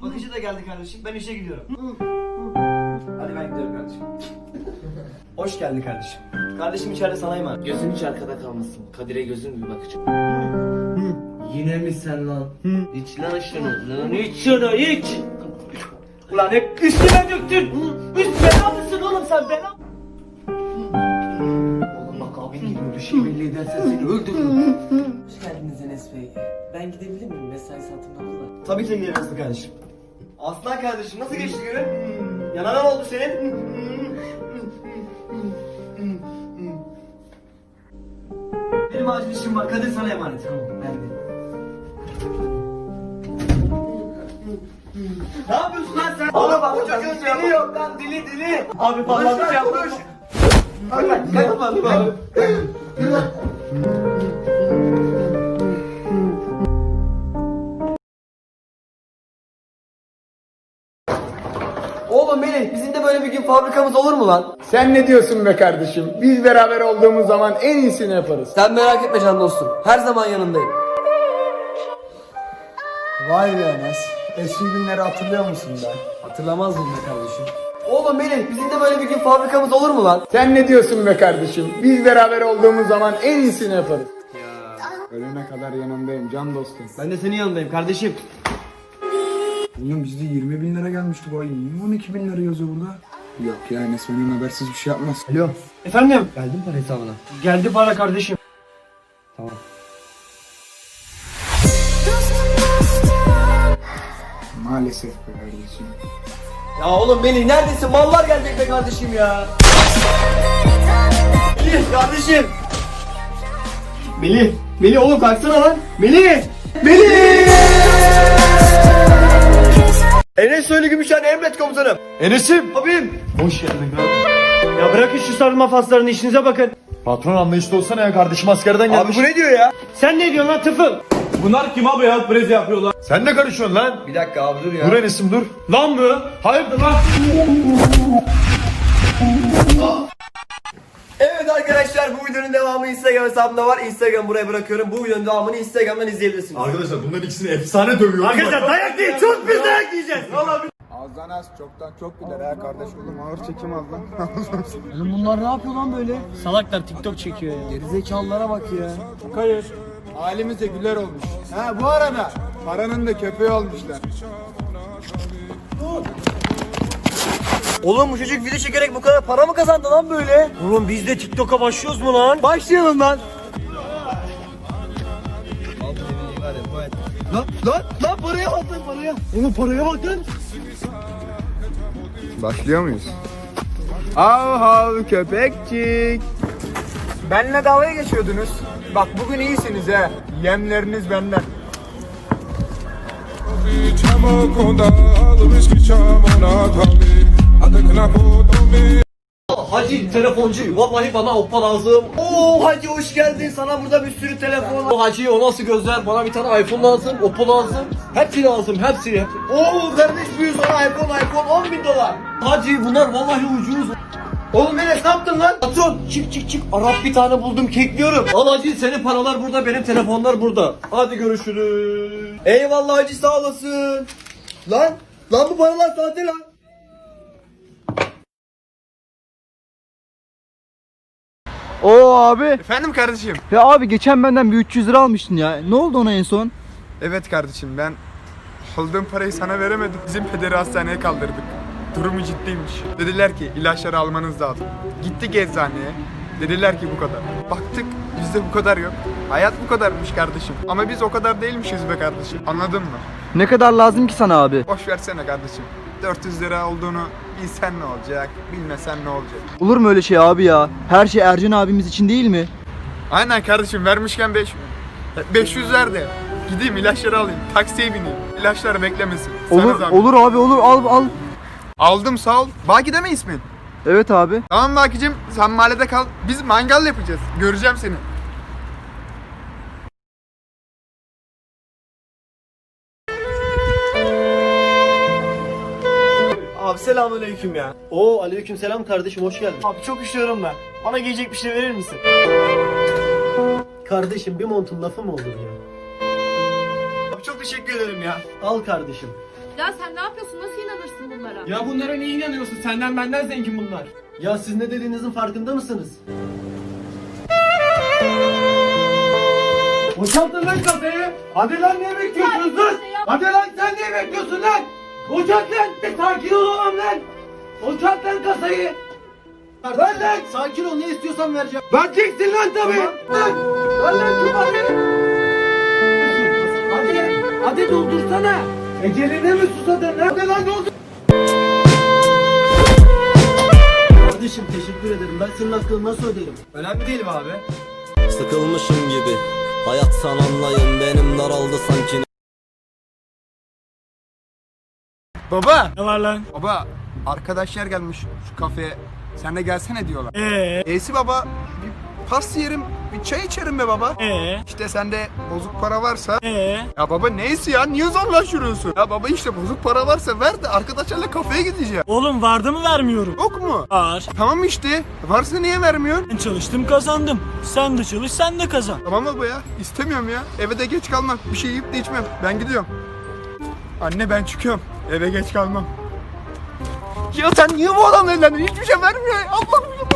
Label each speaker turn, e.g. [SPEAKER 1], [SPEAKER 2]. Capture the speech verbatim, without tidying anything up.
[SPEAKER 1] Bakıcı da geldi kardeşim. Ben işe gidiyorum. Hadi ben gidiyorum kardeşim. Hoş geldin kardeşim. Kardeşim içeride sana emanet.
[SPEAKER 2] Gözün hiç arkada kalmasın. Kadir'e gözün bir bakacağım. Yine mi sen lan? İç lan şunu. Lan iç şunu iç.
[SPEAKER 1] Ulan hep üstüme döktün. Üst bela mısın oğlum sen bela?
[SPEAKER 2] Oğlum bak abin geliyor. Bir şey belli edersen seni öldürürüm. Hoş geldiniz Enes Bey. Ben gidebilir miyim? Mesai saatim doldu da.
[SPEAKER 1] Tabii ki gidebilirsin kardeşim. Aslan kardeşim nasıl geçti günün? Yanana ne oldu senin? Benim acil işim var. Kadir sana emanet. Tamam ben de. Ne yapıyorsun lan sen? Oğlum bak bu çocuğun dili yok lan dili dili. Abi vallahi bir şey yapmış. Bak bak yapmadım abi. Oğlum Melih bizim de böyle bir gün fabrikamız olur mu lan?
[SPEAKER 3] Sen ne diyorsun be kardeşim? Biz beraber olduğumuz zaman en iyisini yaparız.
[SPEAKER 1] Sen merak etme can dostum. Her zaman yanındayım.
[SPEAKER 3] Vay be Enes. Eski günleri hatırlıyor musun be?
[SPEAKER 1] Hatırlamaz mıyım be kardeşim? Oğlum Melih bizim de böyle bir gün fabrikamız olur mu lan?
[SPEAKER 3] Sen ne diyorsun be kardeşim? Biz beraber olduğumuz zaman en iyisini yaparız. Ya. Ölene kadar yanındayım can dostum.
[SPEAKER 1] Ben de senin yanındayım kardeşim.
[SPEAKER 3] Oğlum bizde yirmi bin lira gelmişti bu ay. Niye on iki bin lira yazıyor burada? Yok ya Enes benim habersiz bir şey yapmaz.
[SPEAKER 1] Alo. Efendim? Geldi mi para hesabına? Geldi para kardeşim. Tamam.
[SPEAKER 3] Maalesef be kardeşim.
[SPEAKER 1] Ya oğlum Melih neredesin? Mallar gelecek be kardeşim ya. Melih kardeşim. Melih. Melih oğlum kalksana lan. Melih. Melih. Enes Söyle Gümüşhane emret komutanım.
[SPEAKER 4] Enes'im.
[SPEAKER 1] Abim.
[SPEAKER 4] Hoş geldin kardeşim.
[SPEAKER 1] Ya bırakın şu sarılma faslarını işinize bakın.
[SPEAKER 4] Patron anlayışlı olsana ya, kardeşim askerden gelmiş.
[SPEAKER 1] Abi bu ne diyor ya? Sen ne diyorsun lan tıfıl?
[SPEAKER 4] Bunlar kim abi ya, prezi yapıyorlar. Sen ne karışıyorsun lan?
[SPEAKER 1] Bir dakika abi dur ya.
[SPEAKER 4] Dur Enes'im dur.
[SPEAKER 1] Lan mı?
[SPEAKER 4] Hayırdır lan?
[SPEAKER 1] Evet arkadaşlar bu videonun devamı Instagram hesabımda var. Instagram buraya bırakıyorum. Bu videonun devamını Instagram'dan izleyebilirsiniz.
[SPEAKER 4] Arkadaşlar bunların ikisini efsane dövüyorum.
[SPEAKER 1] Arkadaşlar dayak değil, çok biz dayak yiyeceğiz.
[SPEAKER 3] Azdan az çoktan çok gider ha kardeş oğlum ağır çekim az lan.
[SPEAKER 1] Oğlum bunlar ne yapıyor lan böyle? Salaklar TikTok çekiyor ya. Gerizekalılara bak ya.
[SPEAKER 3] Hayır. Halimiz de güler olmuş. Ha bu arada paranın da köpeği olmuşlar.
[SPEAKER 1] Oğlum bu çocuk video çekerek bu kadar para mı kazandı lan böyle? Oğlum biz de TikTok'a başlıyoruz mu lan? Başlayalım lan. Lan lan lan paraya bak lan paraya. Oğlum paraya bak lan.
[SPEAKER 3] Başlıyor muyuz? Hav hav köpekçik. Benle dalga geçiyordunuz. Bak bugün iyisiniz he. Yemleriniz benden.
[SPEAKER 1] Hacı telefoncu vallahi bana oppa lazım. Oo hacı hoş geldin, sana burada bir sürü telefon. O hacı o nasıl gözler, bana bir tane iPhone lazım, oppa lazım. Hepsi lazım hepsi. Oo kardeş büyü sana iPhone iPhone on bin dolar. Hacı bunlar vallahi ucuz. Oğlum Enes ne yaptın lan? Patron çık çık çık, Arap bir tane buldum kekliyorum. Al hacı senin paralar burada, benim telefonlar burada. Hadi görüşürüz. Eyvallah hacı sağ olasın. Lan lan bu paralar sahte lan.
[SPEAKER 5] Oo abi.
[SPEAKER 3] Efendim kardeşim.
[SPEAKER 5] Ya abi geçen benden bir üç yüz lira almıştın ya. Ne oldu ona en son?
[SPEAKER 3] Evet kardeşim ben aldığım parayı sana veremedim. Bizim pederi hastaneye kaldırdık. Durumu ciddiymiş. Dediler ki ilaçları almanız lazım. Gittik eczaneye. Dediler ki bu kadar. Baktık bizde bu kadar yok. Hayat bu kadarmış kardeşim. Ama biz o kadar değilmişiz be kardeşim. Anladın mı?
[SPEAKER 5] Ne kadar lazım ki sana abi?
[SPEAKER 3] Boş versene kardeşim. dört yüz lira olduğunu bilsen ne olacak, bilmesen ne olacak.
[SPEAKER 5] Olur mu öyle şey abi ya? Her şey Ercan abimiz için değil mi?
[SPEAKER 3] Aynen kardeşim vermişken beş beş yüz ver de gideyim ilaçları alayım. Taksiye bineyim. İlaçlar beklemesin. Sana
[SPEAKER 5] Olur
[SPEAKER 3] zahmet.
[SPEAKER 5] olur abi olur al al.
[SPEAKER 3] Aldım sağ ol. Baki deme ismin.
[SPEAKER 5] Evet abi.
[SPEAKER 3] Tamam Baki'cim sen mahallede kal. Biz mangal yapacağız. Göreceğim seni.
[SPEAKER 1] Abi selamünaleyküm ya. Oo aleykümselam kardeşim hoş geldin. Abi çok üşüyorum ben. Bana giyecek bir şey verir misin? Kardeşim bir montun lafı mı olur ya? Abi çok teşekkür ederim ya. Al kardeşim.
[SPEAKER 6] Ya sen ne yapıyorsun? Nasıl inanırsın bunlara?
[SPEAKER 7] Ya bunlara niye inanıyorsun? Senden benden zengin bunlar.
[SPEAKER 1] Ya siz ne dediğinizin farkında mısınız? Boşaltın lan kafayı. Hadi lan ne bekliyorsunuz lan? Hadi lan sen ne bekliyorsun lan? Boşalt lan. Bir sakin ol oğlum lan. Boşalt lan kasayı. Ver lan. Sakin ol, ne istiyorsan vereceğim. Vereceksin lan tabii. Lan. Ver lan şu parayı. Hadi. Hadi doldursana. Eceline mi susadın lan? Hadi lan doldur. Kardeşim teşekkür ederim. Ben senin hakkını nasıl öderim? Önemli değil abi.
[SPEAKER 8] Sıkılmışım gibi. Hayat san anlayın, benim daraldı sanki.
[SPEAKER 3] Baba.
[SPEAKER 7] Ne var lan?
[SPEAKER 3] Baba arkadaşlar gelmiş şu kafeye. Sen de gelsene diyorlar.
[SPEAKER 7] Ee,
[SPEAKER 3] Eysi baba bir pas yerim, bir çay içerim be baba.
[SPEAKER 7] ee,
[SPEAKER 3] İşte sende bozuk para varsa.
[SPEAKER 7] ee.
[SPEAKER 3] Ya baba neyse ya, niye zorlaştırıyorsun? Ya baba işte bozuk para varsa ver de arkadaşlarla kafeye gideceğim.
[SPEAKER 7] Oğlum vardı mı vermiyorum?
[SPEAKER 3] Yok mu?
[SPEAKER 7] Var.
[SPEAKER 3] Tamam işte. Varsa niye vermiyorsun?
[SPEAKER 7] Ben çalıştım kazandım. Sen de çalış sen de kazan.
[SPEAKER 3] Tamam baba ya. İstemiyorum ya. Eve de geç kalmam. Bir şey yiyip de içmem. Ben gidiyorum. Anne ben çıkıyorum. Eve geç kalmam. Ya sen niye bu adamla evlendin? Hiçbir şey vermiyor. Allah'ım ya.